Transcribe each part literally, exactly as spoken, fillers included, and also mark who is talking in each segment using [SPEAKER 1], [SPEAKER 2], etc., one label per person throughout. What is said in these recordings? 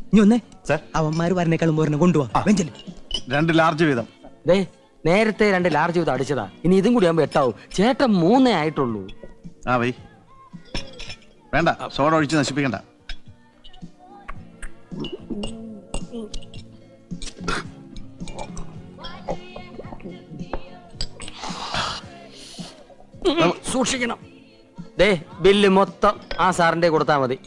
[SPEAKER 1] നീ ഒന്നേ അവന്മാര് വരണേക്കാളും പോരണ കൊണ്ടുപോവാ.
[SPEAKER 2] രണ്ട് ലാർജ് വീതം.
[SPEAKER 3] നേരത്തെ രണ്ട് ലാർജ് വീതം അടിച്ചതാ, ഇനി ഇതും കൂടി ആകുമ്പോ എട്ടാവും. ചേട്ടൻ മൂന്നേ ആയിട്ടുള്ളൂ.
[SPEAKER 2] ആ വൈ വേണ്ട, സോഡ ഒഴിച്ച് നശിപ്പിക്കണ്ട.
[SPEAKER 3] സൂക്ഷിക്കണം. ദേ ബില്ല് മൊത്തം ആ സാറിന്റെ കൊടുത്താ മതി.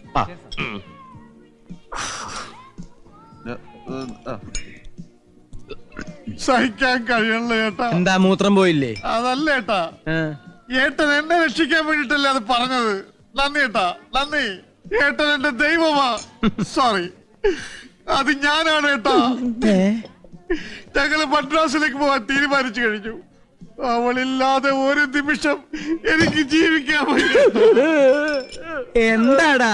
[SPEAKER 2] സഹിക്കാൻ കഴിയണല്ലോ ഏട്ടാ.
[SPEAKER 1] എന്താ മൂത്രം പോയില്ലേ?
[SPEAKER 2] അതല്ല ഏട്ടാ, ഏട്ടൻ എന്നെ രക്ഷിക്കാൻ വേണ്ടിട്ടല്ലേ അത് പറഞ്ഞത്. നന്ദി ഏട്ടാ, നന്ദി. ഏട്ടൻ എന്റെ ദൈവമാ. സോറി, അത് ഞാനാണ് ഏട്ടാ. ഞങ്ങള് മദ്രാസിലേക്ക് പോവാൻ തീരുമാനിച്ചു കഴിഞ്ഞു. അവളില്ലാതെ ഒരു നിമിഷം എനിക്ക് ജീവിക്കാൻ പറ്റും.
[SPEAKER 1] എന്താടാ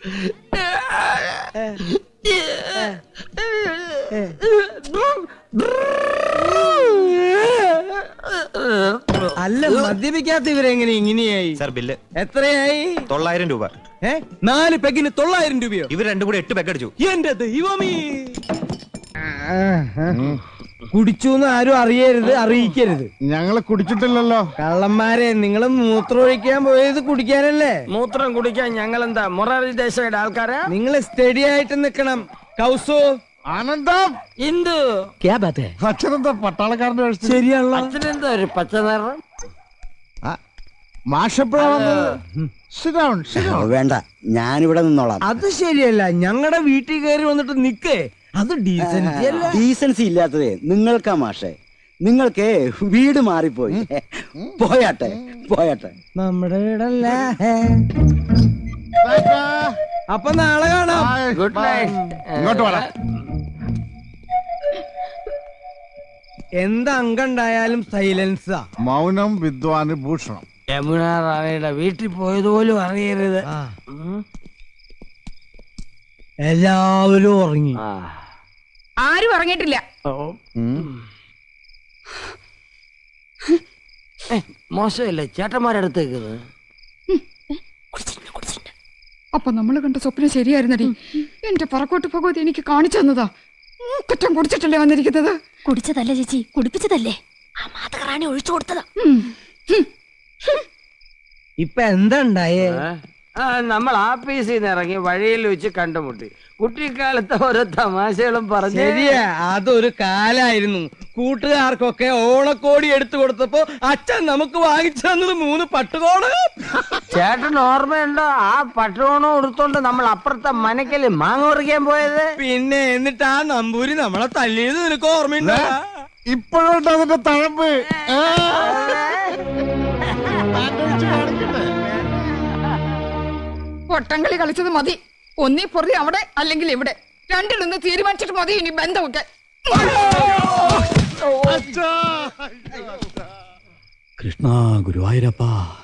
[SPEAKER 1] അല്ല, മദ്യപിക്കാത്ത ഇവരെങ്ങനെ ഇങ്ങനെയായി?
[SPEAKER 4] സാർ ബില്ല്
[SPEAKER 1] എത്രയായി?
[SPEAKER 4] തൊള്ളായിരം രൂപ.
[SPEAKER 1] ഏ നാല് പെഗിന് തൊള്ളായിരം രൂപയോ?
[SPEAKER 4] ഇവർ രണ്ടും കൂടി എട്ട് പെഗ് അടിച്ചു.
[SPEAKER 1] എന്റെ ദൈവമേ, കുടിച്ചു ആരും അറിയരുത്, അറിയിക്കരുത്.
[SPEAKER 2] ഞങ്ങള് കുടിച്ചിട്ടില്ലല്ലോ.
[SPEAKER 1] കള്ളന്മാരെ, നിങ്ങള് മൂത്രം ഒഴിക്കാൻ പോയത് കുടിക്കാനല്ലേ?
[SPEAKER 3] മൂത്രം കുടിക്കാൻ ഞങ്ങൾ എന്താ മൊറാർജി ദേശയുടെ ആൾക്കാരാ?
[SPEAKER 1] നിങ്ങള് സ്റ്റഡി ആയിട്ട് നിക്കണം. കൗസു,
[SPEAKER 2] ആനന്ദം,
[SPEAKER 3] ഇന്ദു,
[SPEAKER 2] അച്ഛനെന്താ പട്ടാളക്കാരന്റെ വേഷം?
[SPEAKER 1] ശരിയാണല്ലോ.
[SPEAKER 3] അച്ഛനെന്താ ഒരു പച്ച നിറം?
[SPEAKER 5] വേണ്ട, ഞാനിവിടെ നിന്നോളാം.
[SPEAKER 1] അത് ശരിയല്ല. ഞങ്ങളുടെ വീട്ടിൽ കയറി വന്നിട്ട് നിക്കേ, അത് ഡീസൻസി അല്ല.
[SPEAKER 5] ഡീസൻസി ഇല്ലാത്തതേ നിങ്ങൾക്കാ മാഷേ. നിങ്ങൾക്ക് വീട് മാറിപ്പോയി. പോയാട്ടെ പോയാട്ടെ.
[SPEAKER 1] നമ്മുടെ വീടല്ല. അപ്പൊ നാളെ കാണാം.
[SPEAKER 3] Good night.
[SPEAKER 2] ഇങ്ങോട്ട് വേണം.
[SPEAKER 1] എന്ത് അംഗണ്ടായാലും സൈലൻസാ.
[SPEAKER 2] മൗനം വിദ്വാന് ഭൂഷണം.
[SPEAKER 3] യമുന റാണിയുടെ വീട്ടിൽ പോയതുപോലും അറിയരുത്.
[SPEAKER 1] എല്ലാവരും ഉറങ്ങി.
[SPEAKER 6] ആരും ഉറങ്ങിയിട്ടില്ല.
[SPEAKER 3] മോശമല്ലേ ചേട്ടന്മാരടുത്തേക്ക്?
[SPEAKER 6] അപ്പൊ നമ്മള് കണ്ട സ്വപ്നം ശരിയായിരുന്നടി. എന്റെ പറക്കോട്ട് ഭഗവതി എനിക്ക് കാണിച്ചു തന്നതാ. കുറ്റം കുടിച്ചിട്ടല്ലേ വന്നിരിക്കുന്നത്?
[SPEAKER 7] കുടിച്ചതല്ല ചേച്ചി, കുടിപ്പിച്ചതല്ലേ. ആ മാതകറാണി ഒഴിച്ചു കൊടുത്തതാ.
[SPEAKER 1] ഇപ്പൊ എന്താ ഉണ്ടായേ?
[SPEAKER 3] നമ്മൾ ആഫീസിൽ നിന്ന് ഇറങ്ങി വഴിയിൽ വെച്ച് കണ്ടുമുട്ടി. കുട്ടിക്കാലത്തെ ഓരോ തമാശകളും പറഞ്ഞു.
[SPEAKER 1] ശരിയാ, അതൊരു കാലായിരുന്നു. കൂട്ടുകാർക്കൊക്കെ ഓണക്കോടി എടുത്തു കൊടുത്തപ്പോ അച്ഛൻ നമുക്ക് വാങ്ങിച്ചു തന്നത് മൂന്ന് പട്ടുകോട്.
[SPEAKER 3] ചേട്ടൻ ഓർമ്മയുണ്ടോ ആ പട്ടുകോണം എടുത്തോണ്ട് നമ്മൾ അപ്പുറത്തെ മനക്കല് മാങ്ങ പറിക്കാൻ പോയത്?
[SPEAKER 1] പിന്നെ എന്നിട്ട് ആ നമ്പൂരി നമ്മളെ തല്ലിയത് നിനക്ക് ഓർമ്മയുണ്ടോ?
[SPEAKER 2] ഇപ്പോഴുണ്ട് അതിന്റെ തഴമ്പ്.
[SPEAKER 6] പൊട്ടങ്കളി കളിച്ചത് മതി. ഒന്നീ പൊറി അവിടെ അല്ലെങ്കിൽ ഇവിടെ, രണ്ടിലൊന്ന് തീരുമാനിച്ചിട്ട് മതി ഇനി ബന്ധമൊക്കെ.
[SPEAKER 8] കൃഷ്ണ ഗുരുവായൂരപ്പ.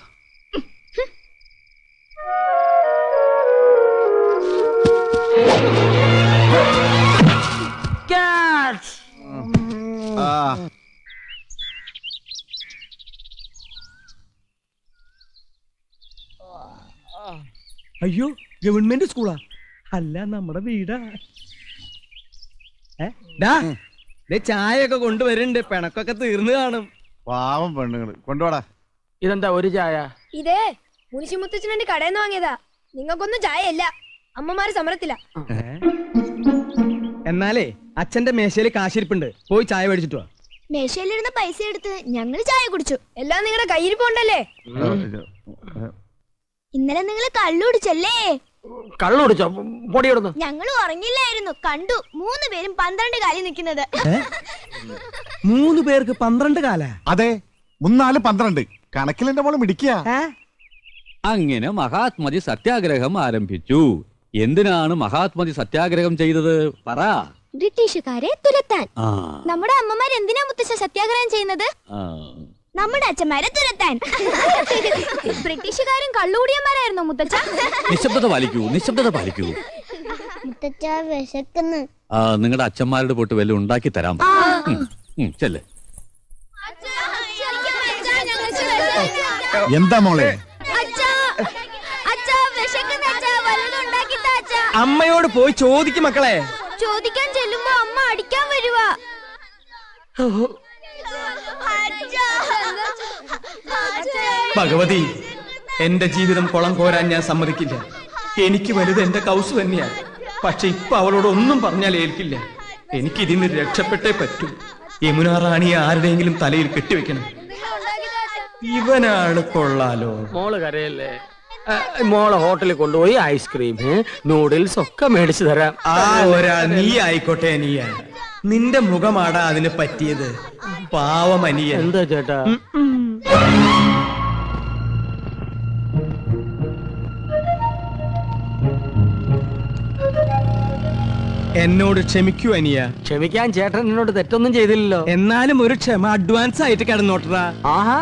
[SPEAKER 1] അയ്യോ, ഗവൺമെന്റ് സ്കൂളാ? അല്ല, നമ്മുടെ വീടാ. ചായ ഒക്കെ കൊണ്ടുവരുന്നുണ്ട്. പിണക്കൊക്കെ തീർന്നു കാണും.
[SPEAKER 2] പാവം പെണ്ണുങ്ങള്. കൊണ്ടുപോടാ.
[SPEAKER 3] ഇതെന്താ ഒരു ചായ?
[SPEAKER 7] ഇതേ മുനിശിമുത്തച്ഛനെ കടയിൽ നിന്ന് വാങ്ങിയതാ. നിങ്ങൾക്കൊന്നും ചായയല്ല, അമ്മമാര് സമരത്തില്ല.
[SPEAKER 1] എന്നാലേ അച്ഛന്റെ മേശയില് കാശിരിപ്പുണ്ട്, പോയി ചായ മേടിച്ചിട്ട് വാ.
[SPEAKER 7] മേശയിലിരുന്ന പൈസ എടുത്ത് ഞങ്ങള് ചായ കുടിച്ചു. എല്ലാം നിങ്ങളുടെ കയ്യിൽ പോണ്ടല്ലേ? ഇന്നലെ നിങ്ങൾ കള്ളു കുടിച്ചല്ലേ?
[SPEAKER 3] കള്ളു കുടിച്ചോ? പൊടിയിടുന്നു.
[SPEAKER 7] ഞങ്ങൾ ഉറങ്ങില്ലായിരുന്നു, കണ്ടു മൂന്ന് പേരും പന്ത്രണ്ട് കാലിൽ നിൽക്കുന്നത്.
[SPEAKER 1] മൂന്ന് പേർക്ക് പന്ത്രണ്ട് കാല?
[SPEAKER 2] അതെ, മൂന്നാല് പന്ത്രണ്ട്. കണക്കിൽ എന്റെ മോള് മിടിക്കുക.
[SPEAKER 8] അങ്ങനെ മഹാത്മജി സത്യാഗ്രഹം ആരംഭിച്ചു. എന്തിനാണ് മഹാത്മജി സത്യാഗ്രഹം ചെയ്തത് പറ?
[SPEAKER 7] ബ്രിട്ടീഷുകാരെ തുരത്താൻ. നമ്മുടെ അമ്മമാർ എന്തിനാ മുത്തശ്ശ സത്യാഗ്രഹം ചെയ്യുന്നത്? നമ്മുടെ അച്ഛന്മാരെ തുരത്താൻ. ബ്രിട്ടീഷുകാരും കള്ളുകൂടിയന്മാരായിരുന്നോ മുത്തച്ഛ?
[SPEAKER 8] നിശബ്ദത പാലിക്കൂ, നിശബ്ദത പാലിക്കൂ.
[SPEAKER 7] മുത്തച്ഛ വിശക്കുന്നു.
[SPEAKER 8] ആ, നിങ്ങളുടെ അച്ഛന്മാരുടെ പോട്ട് വല്ലതും ഉണ്ടാക്കി തരാം. ചെല്ലേ.
[SPEAKER 2] എന്താ മോളെ?
[SPEAKER 1] അമ്മയോട് പോയി ചോദിക്കും മക്കളെ.
[SPEAKER 7] ചോദിക്കാൻ ചെല്ലുമ്പോ അമ്മ അടിക്കാൻ വരുവാ.
[SPEAKER 1] ഭഗവതി, എന്റെ ജീവിതം കുളം കോരാൻ ഞാൻ സമ്മതിക്കില്ല. എനിക്ക് വലുത് എന്റെ കൗസു തന്നെയാണ്. പക്ഷെ ഇപ്പൊ അവളോട് ഒന്നും പറഞ്ഞാൽ ഏൽക്കില്ല. എനിക്കിതിന്ന് രക്ഷപ്പെട്ടേ പറ്റൂ. യമുന റാണിയെ ആരുടെയെങ്കിലും തലയിൽ കെട്ടിവെക്കണം. ഇവനാണ് കൊള്ളാലോ.
[SPEAKER 3] മോള് കരയല്ലേ? മോളെ ഹോട്ടലിൽ കൊണ്ടുപോയി ഐസ്ക്രീം നൂഡിൽസ് ഒക്കെ മേടിച്ചു തരാം.
[SPEAKER 1] ആ ഒരാൾ നീ ആയിക്കോട്ടെ. അനിയ, നിന്റെ മുഖമാടാ അതിന് പറ്റിയത്. പാവം അനിയ.
[SPEAKER 3] എന്താ ചേട്ടാ?
[SPEAKER 1] എന്നോട് ക്ഷമിക്കൂ അനിയ.
[SPEAKER 3] ക്ഷമിക്കാൻ ചേട്ടൻ എന്നോട് തെറ്റൊന്നും ചെയ്തില്ലല്ലോ.
[SPEAKER 1] എന്നാലും ഒരു ക്ഷമ അഡ്വാൻസ് ആയിട്ട് കിടന്നോട്ടറാ.
[SPEAKER 3] ആഹാ.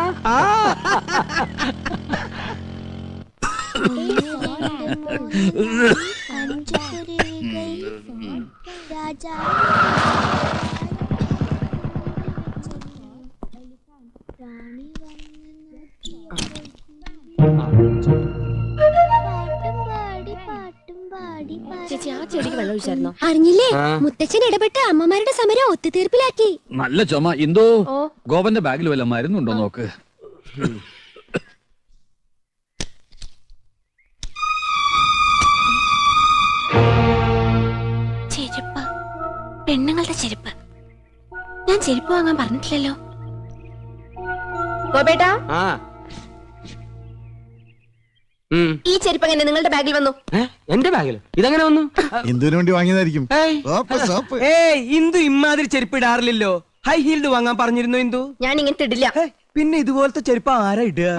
[SPEAKER 7] ചേച്ചി, ആ ചെടിക്ക് വെള്ളം ഒഴിച്ചായിരുന്നോ? അറിഞ്ഞില്ലേ? മുത്തച്ഛൻ ഇടപെട്ട് അമ്മമാരുടെ സമരം ഒത്തുതീർപ്പിലാക്കി.
[SPEAKER 8] നല്ല ചുമ. എന്തോ ഗോപന്റെ ബാഗിൽ വല്ല മരുന്നുണ്ടോ നോക്ക്.
[SPEAKER 7] ചെരുപ്പ്, പെണ്ണുങ്ങളുടെ ചെരുപ്പ്. ഞാൻ ചെരുപ്പ് വാങ്ങാൻ പറഞ്ഞിട്ടില്ലല്ലോ. ഗോപേട്ടാ, ഈ ചെരുപ്പ് എങ്ങനെ നിങ്ങളുടെ ബാഗിൽ വന്നു?
[SPEAKER 3] എന്റെ ബാഗിൽ ഇതെങ്ങനെ വന്നു?
[SPEAKER 2] എന്തിനു വേണ്ടി വാങ്ങിയതായിരിക്കും.
[SPEAKER 1] ഏയ്, ഇന്ദു ഇമാതിരി ചെരുപ്പ് ഇടാറില്ലല്ലോ. ഹൈ ഹീൽഡ് വാങ്ങാൻ പറഞ്ഞിരുന്നു ഇന്ദു.
[SPEAKER 7] ഞാൻ ഇങ്ങനത്തെ ഇടില്ല.
[SPEAKER 1] പിന്നെ ഇതുപോലത്തെ ചെരുപ്പ് ആരാ ഇടുക?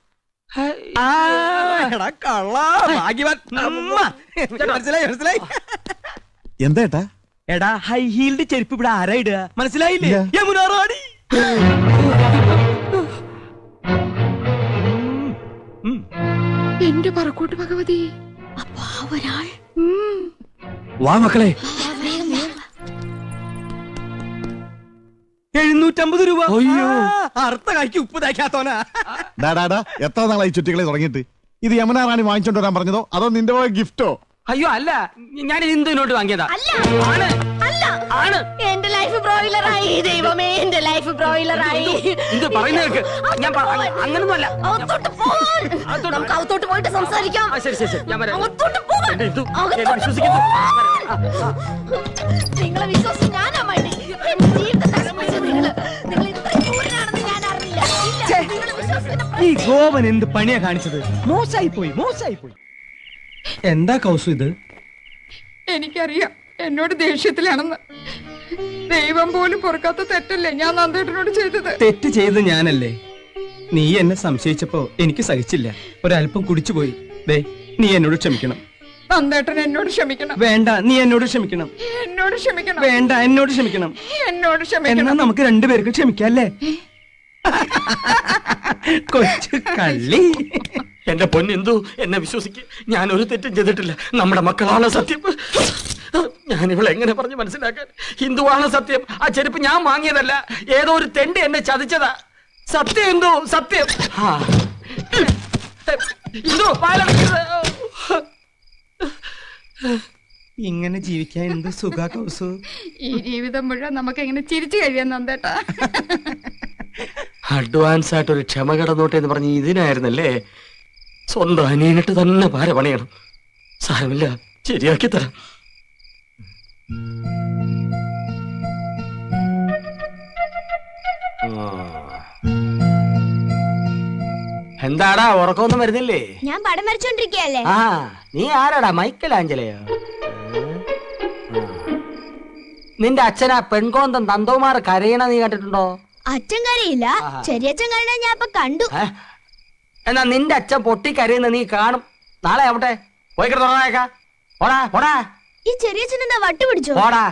[SPEAKER 1] മനസ്സിലായി മനസ്സിലായി.
[SPEAKER 2] എന്താ
[SPEAKER 1] എടാ, ഹൈ ഹീൽഡ് ചെരുപ്പ് ഇവിടെ ആരാ ഇടുക? മനസ്സിലായില്ലേ? യമുന റാണി.
[SPEAKER 6] എന്റെ പറക്കോട്ട് ഭഗവതി.
[SPEAKER 7] അപ്പൊ ആ ഒരാൾ.
[SPEAKER 8] വാ മക്കളെ.
[SPEAKER 1] എഴുന്നൂറ്റമ്പത് രൂപ. അയ്യോ, അർത്ഥ കായ്ക്ക് ഉപ്പ് തയ്ക്കാത്തോനാ.
[SPEAKER 2] എത്ര നാളായി ചുറ്റികളെ തുടങ്ങിയിട്ട്? ഇത് യമുന റാണി വാങ്ങിച്ചോണ്ട് വരാൻ പറഞ്ഞതോ അതോ നിന്റെ പോയ ഗിഫ്റ്റോ?
[SPEAKER 3] അയ്യോ അല്ല, ഞാൻ ഇന്ദുവിനോട്ട് വാങ്ങിയതാ. ആണ് ആണ്.
[SPEAKER 7] എന്റെ ലൈഫ് ബ്രോയിലറായി. ദൈവമേ, എന്റെ ലൈഫ് ബ്രോയിലറായി.
[SPEAKER 3] ഇത് പറയുന്നത് ഞാൻ അങ്ങനൊന്നും അല്ല.
[SPEAKER 7] നമുക്ക് അകത്തോട്ട് പോയിട്ട് സംസാരിക്കാം.
[SPEAKER 3] ശരി ശരി ശരി, ഞാൻ വരാം.
[SPEAKER 7] നിങ്ങളെ വിശ്വാസം ഞാനാ മതി. എന്റെ ജീവിതം നശിപ്പിച്ചത് നിങ്ങള്. നിങ്ങൾ ഇത്ര ക്രൂരനാണെന്ന് ഞാൻ അറിഞ്ഞില്ല. നിങ്ങളെ വിശ്വാസത്തിന്
[SPEAKER 1] ഈ ഗോപൻ എന്ത് പണിയാ കാണിച്ചത്? മോശമായി പോയി, മോശമായി പോയി. എന്താ കൗസു ഇത്?
[SPEAKER 6] എനിക്കറിയാം എന്നോട് ദേഷ്യത്തിലാണെന്ന്. ദൈവം പോലും പൊറുക്കാത്ത തെറ്റല്ലേ ഞാൻ നന്ദേട്ടനോട് ചെയ്തത്.
[SPEAKER 1] തെറ്റ് ചെയ്ത് ഞാനല്ലേ. നീ എന്നെ സംശയിച്ചപ്പോ എനിക്ക് സഹിച്ചില്ല. ഒരല്പം കുടിച്ചുപോയി. ദേ, നീ എന്നോട് ക്ഷമിക്കണം.
[SPEAKER 6] നന്ദേട്ടൻ എന്നോട് ക്ഷമിക്കണം.
[SPEAKER 1] വേണ്ട, നീ എന്നോട് ക്ഷമിക്കണം.
[SPEAKER 6] എന്നോട് ക്ഷമിക്കണം.
[SPEAKER 1] വേണ്ട, എന്നോട് ക്ഷമിക്കണം.
[SPEAKER 6] എന്നോട്
[SPEAKER 1] എന്നാ
[SPEAKER 6] ക്ഷമിക്കണം.
[SPEAKER 1] നമുക്ക് രണ്ടുപേർക്ക് ക്ഷമിക്കല്ലേ? കൊച്ചു കള്ളി.
[SPEAKER 3] എന്റെ പൊന്നെന്തു, എന്നെ വിശ്വസിക്ക്. ഞാൻ ഒരു തെറ്റും ചെയ്തിട്ടില്ല. നമ്മുടെ മക്കളാണ് സത്യം. ഞാൻ ഇവളെ എങ്ങനെ പറഞ്ഞു മനസ്സിലാക്കാൻ? ഹിന്ദുവാണ് സത്യം. ആ ചെരുപ്പ് ഞാൻ വാങ്ങിയതല്ല. ഏതോ ഒരു തെണ്ടി എന്നെ ചതിച്ചതാ. സത്യം എന്തോ, സത്യം. ഹിന്ദു
[SPEAKER 1] ഇങ്ങനെ ജീവിക്കാൻ എന്ത് സുഖ കൗസു.
[SPEAKER 6] ഈ ജീവിതം മുഴുവൻ നമുക്ക് എങ്ങനെ ചിരിച്ചു കഴിയാൻ നന്ദേട്ടാ.
[SPEAKER 3] അഡ്വാൻസ് ആയിട്ട് ഒരു ക്ഷമ കടന്നോട്ടെ എന്ന് പറഞ്ഞ് ഇതിനായിരുന്നല്ലേ? സ്വന്തം അനിയനിട്ട് തന്നെ പാര പണിയണം. സാരമില്ല, ശരിയാക്കി തരാം. എന്താടാ, ഉറക്കമൊന്നും വരുന്നില്ലേ?
[SPEAKER 7] ഞാൻ പടം വരച്ചോണ്ടിരിക്കയല്ലേ.
[SPEAKER 3] ആ, നീ ആരാടാ? മൈക്കൽ ആഞ്ചലയോ? നിന്റെ അച്ഛനാ പെൺകോന്തം തന്തോമാർ കരയണ നീ കണ്ടിട്ടുണ്ടോ?
[SPEAKER 7] അച്ഛൻ കരയില്ല, ചെറിയച്ഛൻ കരയണ ഞാൻ ഇപ്പൊ കണ്ടു.
[SPEAKER 3] എന്നാ നിന്റെ അച്ഛൻ പൊട്ടി കരയുന്ന നീ കാണും. നാളെ ആവട്ടെ, പോയി തുറന്നേക്കാ. പോടാ പോടാ.
[SPEAKER 7] ഈ ചെറിയച്ഛൻ എന്താ വട്ട് പിടിച്ചോ?
[SPEAKER 3] പോടാ.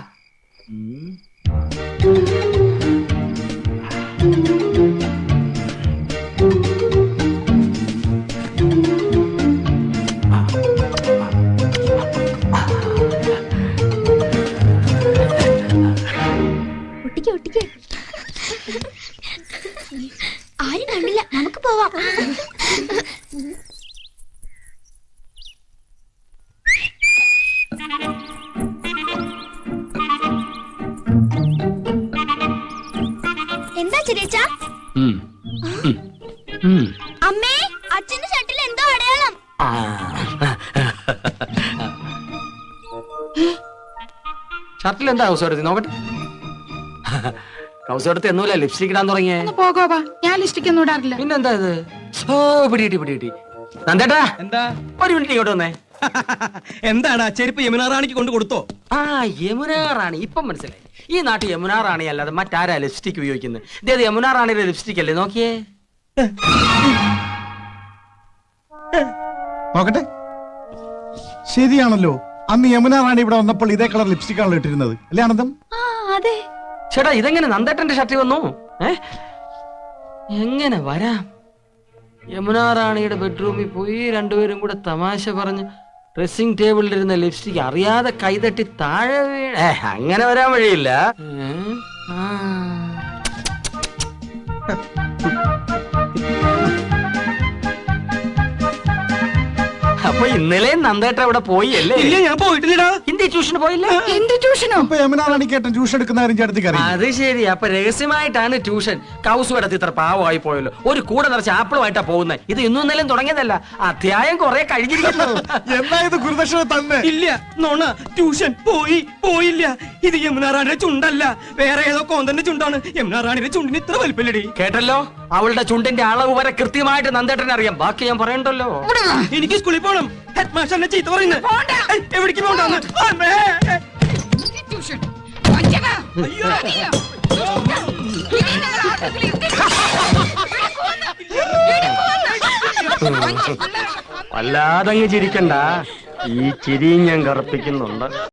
[SPEAKER 7] ഒട്ടിക്ക് ഒട്ടിക്ക്. ആരും കണ്ടില്ല, നമുക്ക് പോവാം.
[SPEAKER 3] ഷർട്ടിൽ എന്താ കൗസോടത്തി നോക്കട്ടെ. കൗസോടത്തി എന്നൂല ലിപ്സ്റ്റിക് ഇടാൻ തുടങ്ങിയേ.
[SPEAKER 6] പോകോവാ, ഞാൻ ലിസ്റ്റിക്ക് ഒന്നും ഇടാറില്ല.
[SPEAKER 3] പിന്നെന്താ ഇത്? ഓ പിടികിട്ടി പിടികിട്ടി. നന്ദേട്ടാ
[SPEAKER 1] എന്താ
[SPEAKER 3] ഒരു മിനിറ്റ് ഇങ്ങോട്ട് വന്നേ.
[SPEAKER 1] എന്താണ് ആ ചെരുപ്പ് യമുന റാണിക്ക് കൊണ്ട് കൊടുത്തോ?
[SPEAKER 3] ആ യമുന റാണി ഇപ്പം മനസ്സിലായി. ഈ നാട്ടിൽ യമുന റാണി അല്ലാതെ മറ്റാരാ ലിപ്സ്റ്റിക് ഉപയോഗിക്കുന്നത്? ഇതേത് യമുന റാണിയുടെ ലിപ്സ്റ്റിക് അല്ലേ? നോക്കിയേ.
[SPEAKER 2] നോക്കട്ടെ, ശരിയാണല്ലോ. അന്ന് യമുന റാണി ഇവിടെ വന്നപ്പോൾ ഇതേ കളർ ലിപ്സ്റ്റിക് ആണല്ലോ ഇട്ടിരുന്നത്, അല്ലേ ആനന്ദം?
[SPEAKER 7] അതെ.
[SPEAKER 3] ചേട്ടാ ഇതെങ്ങനെ നന്ദേട്ടന്റെ ഷർട്ടിൽ വന്നു? ഏ എങ്ങനെ വരാം? യമുന റാണിയുടെ ബെഡ്റൂമിൽ പോയി രണ്ടുപേരും കൂടെ തമാശ പറഞ്ഞ് ഡ്രസ്സിംഗ് ടേബിളിലിരുന്ന ലിപ്സ്റ്റിക് അറിയാതെ കൈതട്ടി താഴെ വീണ. ഏ, അങ്ങനെ വരാൻ വഴിയില്ല. ഏ? ആ. അപ്പൊ ഇന്നലെ നന്ദേട്ട അവിടെ പോയി അല്ലേ?
[SPEAKER 1] ഇല്ല, ഞാൻ പോയിട്ടില്ലടാ.
[SPEAKER 3] ഹിന്ദി ട്യൂഷന് പോയില്ല?
[SPEAKER 6] എന്ത് ട്യൂഷനോ?
[SPEAKER 2] അപ്പൊ യമുന റാണിക്ക് ഏട്ടൻ ട്യൂഷൻ എടുക്കുന്ന കാര്യം ചേട്ടത്തിക്ക് അറിയാം.
[SPEAKER 3] അത് ശരി. അപ്പൊ രഹസ്യമായിട്ടാണ് ട്യൂഷൻ. കൗസു കിടത്തി ഇത്ര പാവമായി പോയല്ലോ. ഒരു കൂടെ നിറച്ച് ആപ്പിളുമായിട്ടാ പോകുന്നത്. ഇത് ഇന്നും ഇന്നലെയും തുടങ്ങിയതല്ല, അധ്യായം കുറെ കഴിഞ്ഞിരിക്കുന്നു.
[SPEAKER 2] എന്തായത് ഗുരുദക്ഷിണ തന്നെ?
[SPEAKER 1] ഇല്ല, നോണ, ട്യൂഷൻ പോയി പോയില്ല. ഇത് യമുന റാണിയുടെ ചുണ്ടല്ല, വേറെ ഏതോ കോന്തന്റെ ചുണ്ടാണ്. യമുന റാണിയുടെ ചുണ്ടിന് ഇത്ര വലിപ്പല്ലടി.
[SPEAKER 3] കേട്ടല്ലോ, അവളുടെ ചുണ്ടിന്റെ അളവ് വരെ കൃത്യമായിട്ട് നന്ദേട്ടനെ അറിയാം. ബാക്കി ഞാൻ പറയണ്ടല്ലോ.
[SPEAKER 1] എനിക്ക് സ്കൂളിൽ പോകണം. ഹെഡ് മാസ്റ്ററിനെ ചീത്ത പറയുന്നത്. ഏയ്, എവിടേക്ക് പോകണ്ടെന്ന്?
[SPEAKER 6] ട്യൂഷൻ. വഞ്ചക. മതിയോ? ഇനി നിങ്ങൾ ആർക്കെങ്കിലും എന്തെങ്കിലും
[SPEAKER 3] വല്ലാതങ്ങ് ചിരിക്കണ്ട. ഈ ചിരിയും ഞാൻ കറുപ്പിക്കുന്നുണ്ട്.